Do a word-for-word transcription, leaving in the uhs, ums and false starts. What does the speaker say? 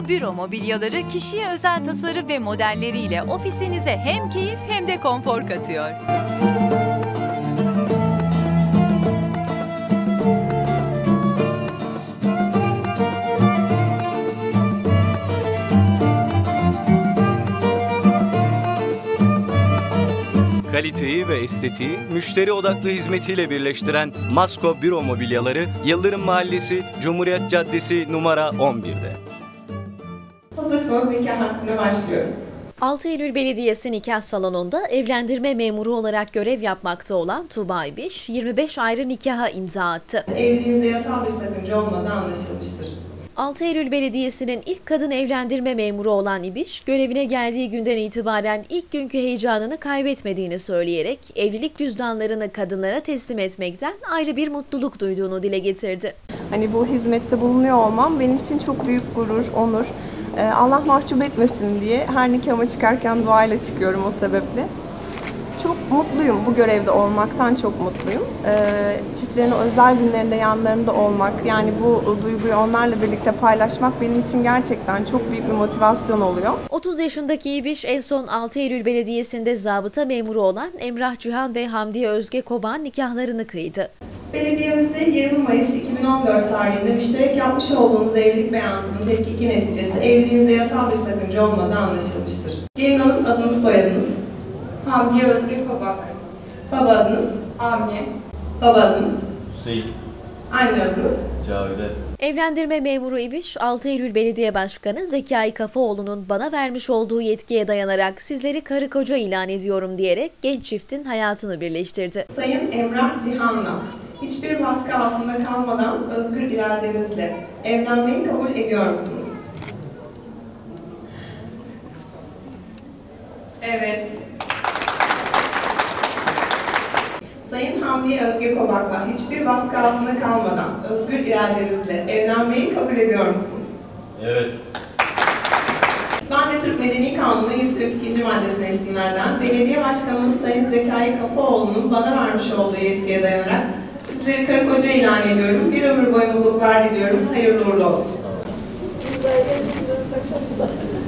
Büro mobilyaları kişiye özel tasarım ve modelleriyle ofisinize hem keyif hem de konfor katıyor. Kaliteyi ve estetiği müşteri odaklı hizmetiyle birleştiren Masko Büro Mobilyaları Yıldırım Mahallesi, Cumhuriyet Caddesi numara on bir'de. Hazırsanız nikah hakkında başlıyorum. altı Eylül Belediyesi nikah salonunda evlendirme memuru olarak görev yapmakta olan Tuğba İbiş, yirmi beş ayrı nikaha imza attı. Evliliğinizde yasal bir sakınca olmadığı anlaşılmıştır. altı Eylül Belediyesi'nin ilk kadın evlendirme memuru olan İbiş, görevine geldiği günden itibaren ilk günkü heyecanını kaybetmediğini söyleyerek evlilik cüzdanlarını kadınlara teslim etmekten ayrı bir mutluluk duyduğunu dile getirdi. Hani bu hizmette bulunuyor olmam benim için çok büyük gurur, onur. Allah mahcup etmesin diye her nikahıma çıkarken duayla çıkıyorum o sebeple. Çok mutluyum bu görevde olmaktan, çok mutluyum. Çiftlerin özel günlerinde yanlarında olmak, yani bu duyguyu onlarla birlikte paylaşmak benim için gerçekten çok büyük bir motivasyon oluyor. otuz yaşındaki İbiş en son altı Eylül Belediyesi'nde zabıta memuru olan Emrah Cihan ve Hamdiye Özge Koban nikahlarını kıydı. Belediyemizde yirmi Mayıs iki bin on dört tarihinde müşterek yapmış olduğunuz evlilik beyanınızın tetkiki neticesi evliliğinizde yasal bir sakınca olmadığı anlaşılmıştır. Gelin hanım, adınız, soyadınız? Hamdiye Özge Kobak. Baba adınız? Avni. Baba adınız? Hüseyin. Anne adınız? Cavide. Evlendirme memuru İbiş, altı Eylül Belediye Başkanı Zekai Kafaoğlu'nun bana vermiş olduğu yetkiye dayanarak sizleri karı koca ilan ediyorum diyerek genç çiftin hayatını birleştirdi. Sayın Emrah Cihan'la hiçbir baskı altında kalmadan özgür iradenizle evlenmeyi kabul ediyor musunuz? Evet. Sayın Hamdiye Özge Kobak'la hiçbir baskı altında kalmadan özgür iradenizle evlenmeyi kabul ediyor musunuz? Evet. Ben de Türk Medeni Kanunu yüz kırk ikinci maddesine isimlerden belediye başkanımız Sayın Zekai Kafaoğlu'nun bana vermiş olduğu yetkiye dayanarak sizleri karı koca ilan ediyorum. Bir ömür boyu mutluluklar diliyorum. Hayırlı uğurlu olsun.